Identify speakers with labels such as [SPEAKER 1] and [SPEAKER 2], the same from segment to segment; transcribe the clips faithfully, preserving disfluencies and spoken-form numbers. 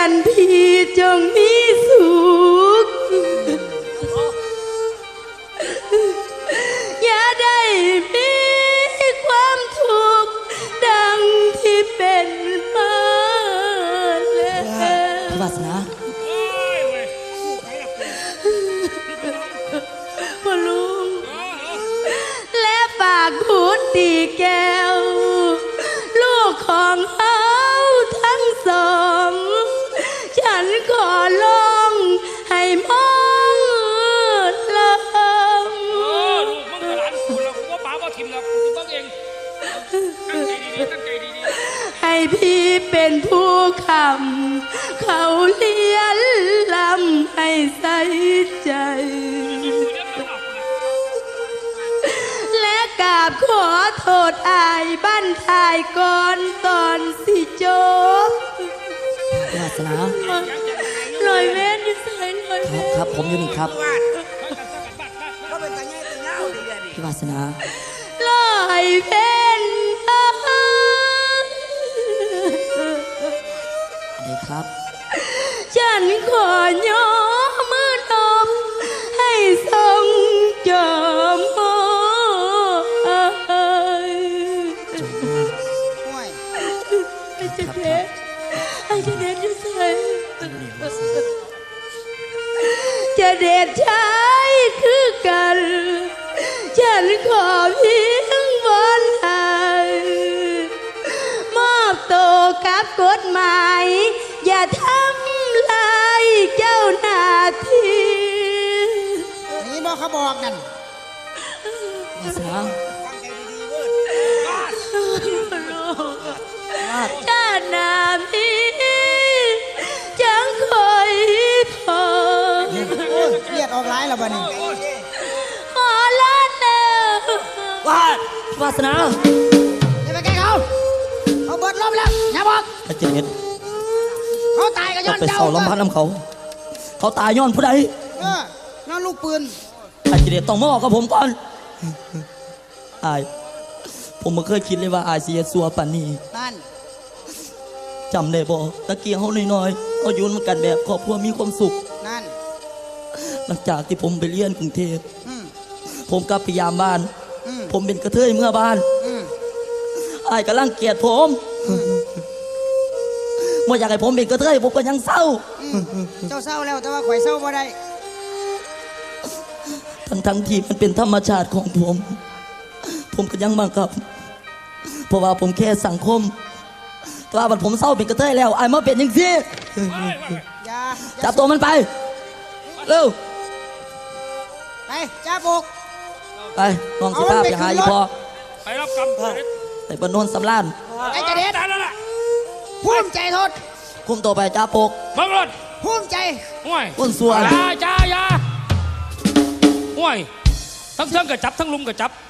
[SPEAKER 1] นพี่จงมีสุขอย่าได้มีความทุกข์ดังที่เป็นมาแล้ว
[SPEAKER 2] วาสนา
[SPEAKER 1] พ่อลุงและปากพูดตีแก้วลูกของเฮาทั้งสองฉันขอลองให้มองลง
[SPEAKER 3] เออลูกมึงกับหลานกูแล้วกูว่าป๋าว่าทิมแล้วกูต้องเองตั้งใจดีๆตั้งใจดีๆ
[SPEAKER 1] ให้พี่เป็นผู้คำเขาเลี้ยนลำให้ใส่ใจและกราบขอโทษอายบ้านทายก่อนตอนสิจบ
[SPEAKER 2] วาสนา
[SPEAKER 1] ลอยเว้นอยู่ใส่ลอย
[SPEAKER 2] ค
[SPEAKER 1] เว้
[SPEAKER 2] รับ
[SPEAKER 1] น
[SPEAKER 2] ครับผมอยู่นี่ครับ
[SPEAKER 4] เขาเป็นตาใหญ่ตาเงาดีเดียวนี่
[SPEAKER 2] พี่วาสนา
[SPEAKER 1] ลอยเว้น
[SPEAKER 2] เด็กครับ
[SPEAKER 1] ฉันขอย่อมือนมให้ทรงจอมโอ้ย
[SPEAKER 2] จง
[SPEAKER 4] ห่วย
[SPEAKER 1] ไอ้เจเด็ดไอ้เจเด็ดอยู่ใส่ จะเด็ดใช้คือกัน ฉันขอเพียงบนหายมอบตัวกับกฎหมายอย่าทำลายเจ้าหน้าที่
[SPEAKER 4] นี่บอกเขาบอกนั่น
[SPEAKER 2] วาสนา
[SPEAKER 4] ตั้งใจดีๆเว้ย
[SPEAKER 1] ชาติหน้ามีจังคอยพอ
[SPEAKER 4] โอ้ยเลียดออกร้ายแล้วบ้านี่
[SPEAKER 1] ขอลาแล้ว
[SPEAKER 2] วาดวาสนา
[SPEAKER 4] อย่าไปแกล้งเขาเขาเบิดล้มแล้วอย่าบอก
[SPEAKER 2] อาจารย์
[SPEAKER 4] เขาตายก็ย้
[SPEAKER 2] จะ
[SPEAKER 4] อน
[SPEAKER 2] ไป
[SPEAKER 4] เจ้า
[SPEAKER 2] เสาลำพันน้ำเขา เขาตายย้อนผู้ใด
[SPEAKER 4] เออนั่นลูกปืน
[SPEAKER 2] อาจารย์ต้องมาบอกกับผมก่อนอายผมไม่เคยคิดเลยว่าอายเสียสัวปานนี้
[SPEAKER 4] นั่น
[SPEAKER 2] จำได้บ่ตะเกียงเขาน้อยๆเขาอยู่นำกันแบบครอบครัวมีความสุข
[SPEAKER 4] นั่น
[SPEAKER 2] หลังจากที่ผมไปเรียนกรุงเทพ
[SPEAKER 4] อืม
[SPEAKER 2] ผมกลับไปยามบ้าน
[SPEAKER 4] อืม
[SPEAKER 2] ผมเป็นกระเทยเมื่อบ้าน
[SPEAKER 4] อืม
[SPEAKER 2] อายกำลังเกลียดผมเมื่ออยากให้ผมเป็นกระเทยผมก็ยังเศร้า
[SPEAKER 4] อืมเจ้าเศร้าแล้วแต่ว่าข่อยเศร้าบ่ได้
[SPEAKER 2] ทั้งทั้งที่มันเป็นธรรมชาติของผม ผมก็ยังบังคับ เพราะว่าผมแค่สังคมแต่ว่าบัดผมเศร้าเป็นกระเทยแล้วอายมาเป็นยังซี่
[SPEAKER 4] อย่า
[SPEAKER 2] จับตัวมันไป เร็ว
[SPEAKER 4] ไปจ้าบุก
[SPEAKER 2] ไปน้องสิภาพอย่าหาอีพอ
[SPEAKER 3] ไปรับกรรมเด็ด
[SPEAKER 2] ไอ้บนโนนสำลาน
[SPEAKER 4] ไอ้เจเด็ด
[SPEAKER 3] ตายแล้วล่ะ
[SPEAKER 4] ภูมิใจโทษ
[SPEAKER 2] คุมตัวไปจ้าปก
[SPEAKER 3] บังรถ
[SPEAKER 4] ภูมิใจ
[SPEAKER 3] ห่วย
[SPEAKER 2] อ้วนส่วน
[SPEAKER 3] ยาจ้าอยาห่วยทั้งเทิงกับจับทั้งลุมกับจับ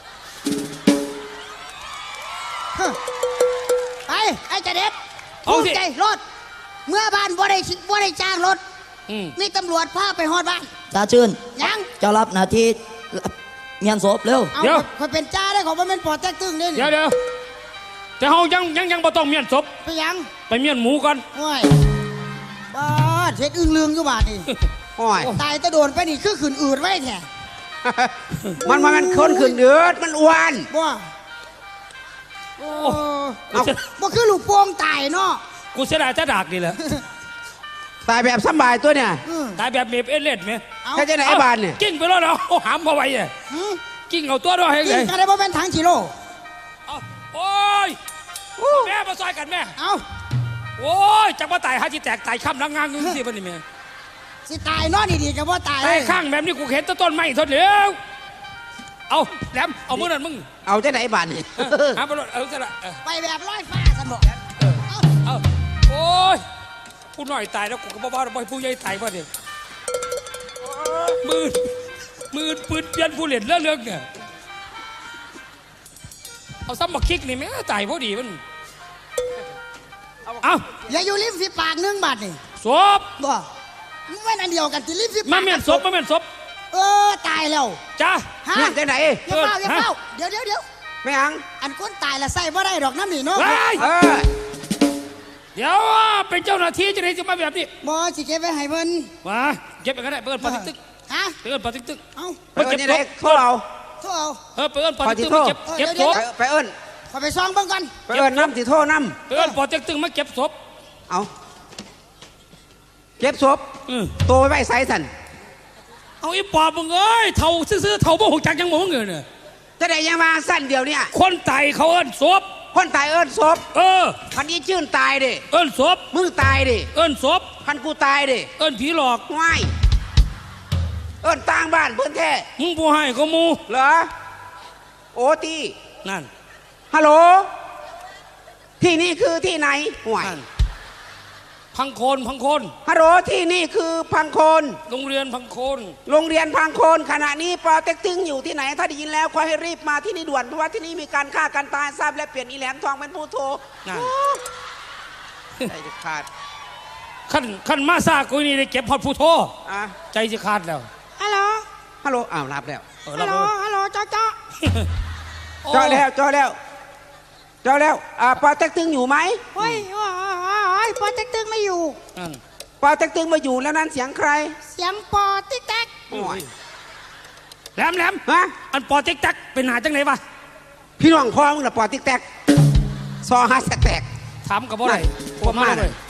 [SPEAKER 4] ฮะไปไอ้เจเด็ด
[SPEAKER 3] เอา
[SPEAKER 4] ภูมิ
[SPEAKER 3] สิ
[SPEAKER 4] ใจรถเมื่อบ้านบ่ได้บ่ได้จ้างรถ
[SPEAKER 3] อืม
[SPEAKER 4] มีตำรวจพาไปฮอดบ้าน
[SPEAKER 2] จ้าชื่น
[SPEAKER 4] ยัง
[SPEAKER 2] เจ้ารับหน้าที่เงียนศพเร็ว
[SPEAKER 4] เอา
[SPEAKER 3] เดี๋ยว
[SPEAKER 4] คอยเป็นจ้าได้ของมันเป็นปอดแจ๊กตึ้งนี่
[SPEAKER 3] เดี๋ยวเดี๋ยวแต่เฮายังยังยังบ่ต้องเมียนศพ
[SPEAKER 4] ไปยัง
[SPEAKER 3] ไปเมียนหมูก่อน
[SPEAKER 4] โอ้ยบ้าเฮ็ดอึ้งลืงอยู่บาดนี่
[SPEAKER 5] โอ้ย
[SPEAKER 4] ตายแตะโดนไปนี่คือขืนอืดไว้แท้
[SPEAKER 5] มันมันคนขึ้นเดือดมันอ้วน
[SPEAKER 4] บ่โอ้
[SPEAKER 3] กูเสีย
[SPEAKER 4] บ่คือลูกโป่งตายเนาะ
[SPEAKER 3] กูเสียดายจะดากนี่แหละ
[SPEAKER 5] ตายแบบสำบายตัวเนี่ย
[SPEAKER 4] อืม
[SPEAKER 3] ตายแบบเมฟเอเลดไหม
[SPEAKER 4] เอา
[SPEAKER 5] แค่จะไหนไอ้บานเนี่ย
[SPEAKER 3] กิ้งไปแล้วเนาะเอาหามมาไว้เนี่ย
[SPEAKER 4] หืม
[SPEAKER 3] กิ้งเอาตัวด้วยให้
[SPEAKER 4] กิ
[SPEAKER 3] เล
[SPEAKER 4] น
[SPEAKER 3] ย
[SPEAKER 4] กันได้บ่เป็นถังกิโล
[SPEAKER 3] เอาโอ้ยแม่มาซอยกันแม่
[SPEAKER 4] เอา
[SPEAKER 3] โอ้ยจักว่าตายหาที่แตกตายค่ำลังงานงึงสิบันนี่แม่
[SPEAKER 4] สิตายเนาะดีๆก็บ่ตาย
[SPEAKER 3] ตายข้างแบบนี้กูเห็นแต้นต้นไม้ทนเหลวเอาแหลมเอามือนั่นมึง
[SPEAKER 5] เอาจะไหนไอ้บานเนี่ย
[SPEAKER 3] หาไปรถเอาซะละเออ
[SPEAKER 4] ไปแบบร้อยฟ้าซั่นบ่เอา
[SPEAKER 3] เอาโอ้ยผู้น้อยตายแล้วกูก็บอกว่าบ่ให้ผู้ใหญ่ตายป่ะเนี่ยมือมือปืนเปลี่ยนผู้เล่นเรื่องเรื่องเนี่ยเอาซ้ำบักคิกนี่แม่ตายพอดีมันเอา
[SPEAKER 4] อย่าอยู่ริมฝีปากหนึงบาดนี่
[SPEAKER 3] ศพ
[SPEAKER 4] บ่มันไม่นอันเดียวกันที่ริมฝีปาก
[SPEAKER 3] มาเมียนศพมาเมียนศพ
[SPEAKER 4] เออตายแล้ว
[SPEAKER 3] จ้า
[SPEAKER 4] ฮะ
[SPEAKER 5] เนี่ยจะไหน
[SPEAKER 4] อย่าเฝ้าอย่า
[SPEAKER 3] ฮะ
[SPEAKER 4] เฝ้าเดี๋ยวเดี๋ยวเดี๋ยว
[SPEAKER 5] ไม่อัง
[SPEAKER 4] อันคนตายละใส่บ่ได้ดอกน้ำนี่เนาะ
[SPEAKER 3] เฮ้ย
[SPEAKER 5] เออ
[SPEAKER 3] เเดี๋ยวเป็นเจ้าหน้าที่จะได้จะมาแบบนี้
[SPEAKER 4] บอสิเก็บไว้ให้เพิ่น
[SPEAKER 3] มาเก็บไปก็ได้เปิดปาติ๊กตึ๊ก
[SPEAKER 4] ฮะ
[SPEAKER 3] เปิดปาติ๊กตึ๊ก
[SPEAKER 4] เอา
[SPEAKER 5] ไปเอิ้นนี่ได้โทรเอา
[SPEAKER 4] โทษเอา
[SPEAKER 3] เออเปิดปาติ๊กตึ๊กมาเก็บเก็บศพ
[SPEAKER 5] ไปไปเอิ้น
[SPEAKER 4] ขอไปซองเบิ่งก่อน
[SPEAKER 5] ไปเอิ้นน้ำสิโทรน้
[SPEAKER 3] เปิดปาติ๊กตึ๊กมาเก็บศพ
[SPEAKER 5] ำเอาเก็บศพ
[SPEAKER 3] อืม
[SPEAKER 5] โตไว้ไว้ใส่สัน
[SPEAKER 3] เอาอีปอบมึงเอ้ยเท่าซื่อๆเท่าบ่หกจักยังบ่เงินเนี่ย
[SPEAKER 5] จะได้ยังมาสั้นเดียวเนี่ย
[SPEAKER 3] คนตายเขาเอิ้นศพ
[SPEAKER 5] คนตายเอิ้นศพ
[SPEAKER 3] เออ
[SPEAKER 5] คันนี้ชื่นตายดิ
[SPEAKER 3] เอิ้นศพ
[SPEAKER 5] มึงตายดิ
[SPEAKER 3] เอิ้นศพ
[SPEAKER 5] คันกูตายดิ
[SPEAKER 3] เอิ้นผีหลอก
[SPEAKER 5] ง่ายเอิ้นต่างบ้านเพื่อนแท้
[SPEAKER 3] มึงผู้ให้ก็มู
[SPEAKER 5] เหรอโอตี
[SPEAKER 3] นั่น
[SPEAKER 5] ฮัลโหลที่นี่คือที่ไหนห่วย
[SPEAKER 3] นั่นพังโคนพังโคน
[SPEAKER 5] ฮัลโหลที่นี่คือพังโคน
[SPEAKER 3] โรงเรียนพังโคน
[SPEAKER 5] โรงเรียนพังโคนขณะนี้ปอเต็กตึงอยู่ที่ไหนถ้าได้ยินแล้วขอให้รีบมาที่นี่ด่วนเพราะว่าที่นี่มีการฆ่ากันตายทราบและเปลี่ยนอีแหลมทองเป็นผู้โทร
[SPEAKER 3] นั่น
[SPEAKER 5] ใจจะขาด
[SPEAKER 3] ขั้นขั้นมาซากุยนี่ได้เก็บพอดผู้โท
[SPEAKER 5] อ่ะ
[SPEAKER 3] ใจจะขาดแล้ว
[SPEAKER 4] ฮัลโหล
[SPEAKER 5] ฮัลโหลอ้าวรับแล้ว
[SPEAKER 3] เออ
[SPEAKER 4] ฮั
[SPEAKER 3] รั
[SPEAKER 4] ล
[SPEAKER 3] บ
[SPEAKER 4] โหล
[SPEAKER 3] เลย
[SPEAKER 4] ฮัลโหลจ้าจ้า
[SPEAKER 5] จอแล้วจอแล้วจอแล้วอ่าปอเต็กตึงอยู่ไหม
[SPEAKER 4] เฮ้ยโอ้ยปอติ๊กตึงไม่อยู่
[SPEAKER 3] นั่น
[SPEAKER 5] ปอเต็กตึงมาอยู่แล้วนั้นเสียงใคร
[SPEAKER 4] เสียงปอติ๊กแต๊ก
[SPEAKER 5] โอ้ย
[SPEAKER 3] แหลมแหลม
[SPEAKER 5] ฮะ
[SPEAKER 3] อันปอเจ๊กจักเป็นหาจังไหนวะ
[SPEAKER 5] พี่น้องพ่อมึงน่ะปอติ๊กแตกซอฮัสแตก
[SPEAKER 3] ถามกับบ่ได้
[SPEAKER 5] นั่น
[SPEAKER 3] พวกมา
[SPEAKER 5] ผมมา
[SPEAKER 3] เลย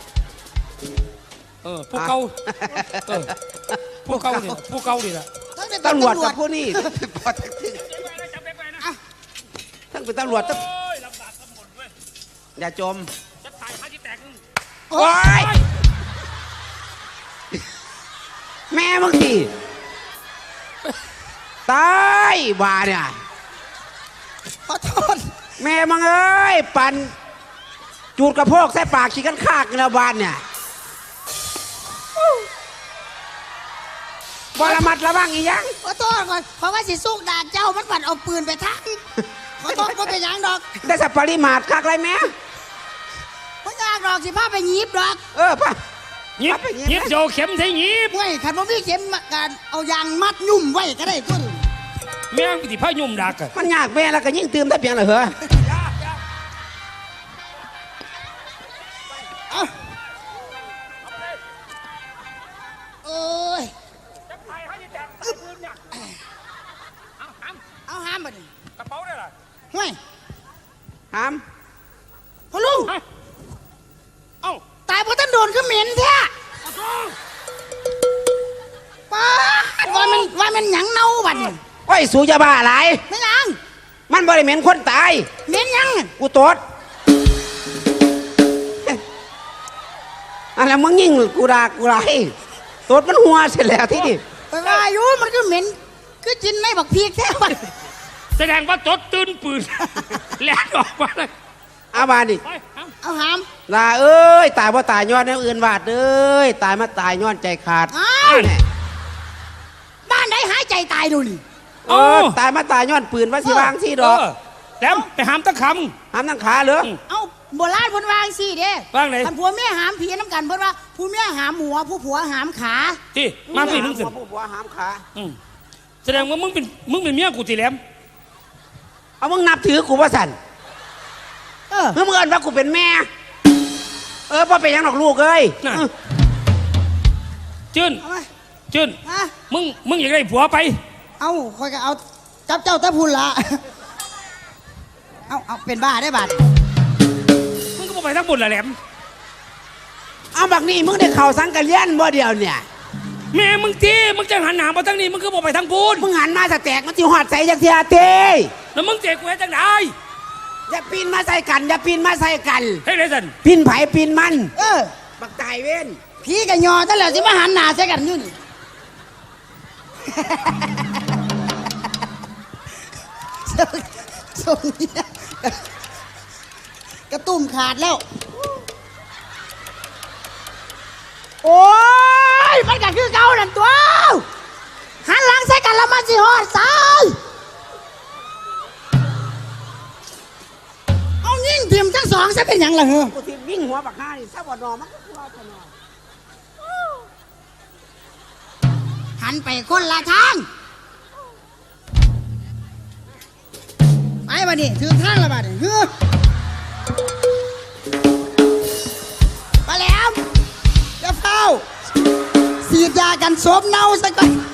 [SPEAKER 3] เออผู้เก่าเออผู้เก่านี่ผู้เก่านี่แหละ
[SPEAKER 5] ตำรวจกับผู้นี่ปอเต็กตึง
[SPEAKER 3] จำเป็นไปนะ
[SPEAKER 5] ทั้งเป็นตำรวจทั้ง
[SPEAKER 3] โอ้ยลำบากทั้งหมดเว้ย
[SPEAKER 5] อย่าจม
[SPEAKER 3] จะตายข้าที่แตกนึง
[SPEAKER 5] โอ้ยแม่มึงสิตายบ้าเนี่ย
[SPEAKER 4] ขอโทษ
[SPEAKER 5] แม่มึงเอ้ยปั่นจูดกระโพกใส่ปากขี้กันคากในบ้านเนี่ยบระมัดระวังอีหยัง
[SPEAKER 4] ขอโทษก่อนเพราะว่าสิสู้ด่าเจ้ามันปัดเอาปืนไปทักขอโทษก็เป็นหยังดอก
[SPEAKER 5] ได้สับปริมาตรคักไรแม่
[SPEAKER 4] ไม่ยากดอกสิพาไปหยิบดอก
[SPEAKER 5] เออป่ะ
[SPEAKER 3] หยิบ
[SPEAKER 5] เอาไปหยิบ
[SPEAKER 3] หยิบ
[SPEAKER 5] นะ
[SPEAKER 3] โยเข็มใส่หยิบ
[SPEAKER 4] เว้ยขันบ่มีเข็มมาการเอายางมัดยุ่มไว้ก็ได้ต้น
[SPEAKER 3] แม่งที่พายุ่มดักอะ
[SPEAKER 5] มันยากแม่แล้วก็ยิ่งเติมได้เพียงเลยเหรอ
[SPEAKER 4] เอาเอ้ย
[SPEAKER 3] จะตายข้าที่แตกปืนเนี่ยเอาหาม
[SPEAKER 4] เอาห้ามมาดิ
[SPEAKER 3] กระเป๋าได้ล่ะ
[SPEAKER 4] เว้ย
[SPEAKER 5] หาม
[SPEAKER 4] พ่อลุง
[SPEAKER 3] เฮ้ยเอ้า
[SPEAKER 4] ตายเพราะท่านโดนก็เหม็นแท้
[SPEAKER 3] เอาโทษ
[SPEAKER 4] ป้าดว่ามันว่ามันหยังเน่าบัดนี่
[SPEAKER 5] โอ้ยสูจะบ้าอะไร
[SPEAKER 4] ไม่หยัง
[SPEAKER 5] มันบริเหม็นคนตาย
[SPEAKER 4] เหม็นหยัง
[SPEAKER 5] กูตดอะไรมึงยิ่งกูด่ากูไรตดมันหัวเสร็จแล้วที่นี่
[SPEAKER 4] ไปว่าอยู่มันก็เหม็นคือจินในบักพีกแท้บัด
[SPEAKER 3] แสดงว่าจดตื่นปืน แล่นออกมาเลย
[SPEAKER 5] อาบานดิ
[SPEAKER 3] ไปหาม
[SPEAKER 4] เอาหาม
[SPEAKER 5] ลาเอ้ยตายเพราะตายย้อนแนวอื่นวาดเอ้ยตายมาตายย้อนใจขาด
[SPEAKER 4] อ้าว
[SPEAKER 5] แน่
[SPEAKER 4] บ้านไหนหายใจตายดูนี่
[SPEAKER 5] เออตายมาตายย้อนปืนว่าสิวางที่ดอก
[SPEAKER 3] เแหลมไปหามตะค
[SPEAKER 5] หามทั้งขาเหรอ
[SPEAKER 4] เอาโบราณเพิ่นวางสิเด้
[SPEAKER 3] ว่างไหน
[SPEAKER 4] ท่านผัวเมียหามผีน้ำกันเพิ่นว่าผู้เมียหามหัวผู้ผัวหามขา
[SPEAKER 3] ำที่มาพี่มึงสิ
[SPEAKER 5] หัวผู้ผัวหามขา
[SPEAKER 3] อืมแสดงว่ามึงเป็นมึงเป็นเมียกูตีแหลม
[SPEAKER 5] เอามึงนับถือกูว่าสัน
[SPEAKER 4] เออ
[SPEAKER 5] เมื่อมึงเอินว่ากูเป็นแม่ เออพ่อเป็นหยังหรอกลูกเอ้ย
[SPEAKER 3] น่ะจื้น
[SPEAKER 4] เอามา
[SPEAKER 3] จื้น
[SPEAKER 4] ฮะ
[SPEAKER 3] มึงมึงอยากได้ผัวไป
[SPEAKER 4] เอาคอยก็เอาจับเจ้าตะพุนละเอาเอาเป็นบ้าได้บาด
[SPEAKER 3] มึงก็บอกไปทั้งบุญละแหลม
[SPEAKER 5] เอาบักนี่มึงได้เข่าสังกัดเลี้ยนบ่เดียวเนี่ย
[SPEAKER 3] แม่มึงที่มึงจะหันหนามาทั้งนี้มึงก็บอกไปทั้งบุญ
[SPEAKER 5] มึงหันมาสแตกมันจิหอดใส่จากเทียเต้
[SPEAKER 3] แล้วมึงเจ๊กูให้จังได
[SPEAKER 5] อย่าปีนมาใส่กัน อย่าปีนมาใส่กัน
[SPEAKER 3] ให้ได้สัน
[SPEAKER 5] ปีนไผ่ปีนมัน
[SPEAKER 4] เออ
[SPEAKER 5] บักตายเว้น
[SPEAKER 4] ผีกับยอตั้งแล้วสิมาหันหน้าใส่กันอยู่นี่ ส่งเนี่ยกระตุ่มขาดแล้ว โอ้ยมันก็คือเก่านั่นตัวหันหลังใส่กันแล้วมันสิหอดสายเอายิ่งเตรียมทั้งสองซะเป็นหยังล่ะเหรอ
[SPEAKER 5] กูที่วิ่งหัวบักห้านี่ถ้าบ่นอมันก็คือว่าบ่นอ
[SPEAKER 4] หันไปคนละทางไปมาดิถือทางละบาดนี่เฮ้อามอย่าเฝ้าสีดยากันศพเน่าซะก่อน